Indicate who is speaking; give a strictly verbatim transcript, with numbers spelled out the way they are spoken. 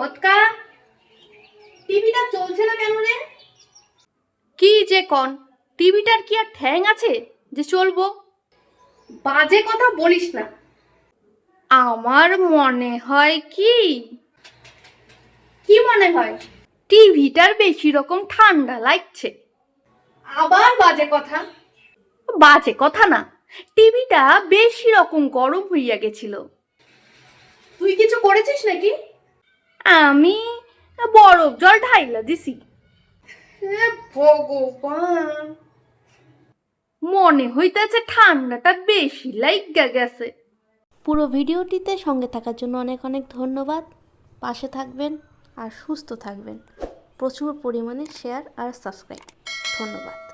Speaker 1: হতকা টিভিটা চলছে না কেন রে? কি যে কন, টিভিটার কি আর ঠ্যাং আছে যে চলবো? বাজে কথা বলিস না। আমার মনে হয় কি কি মনে হয়? টিভিটার বেশি রকম ঠান্ডা লাগছে। আবার বাজে কথা? বাজে কথা না, টিভিটা বেশি রকম গরম হইয়া গেছিল। তুই কিছু করেছিস নাকি? আমি বরফ জল ঢাইলা দিছি। ভগবান, মনে হইতেছে ঠান্ডাটা বেশি লাইগা গেছে।
Speaker 2: পুরো ভিডিওটিতে সঙ্গে থাকার জন্য অনেক অনেক ধন্যবাদ। পাশে থাকবেন আর সুস্থ থাকবেন। প্রচুর পরিমাণে শেয়ার আর সাবস্ক্রাইব। ধন্যবাদ।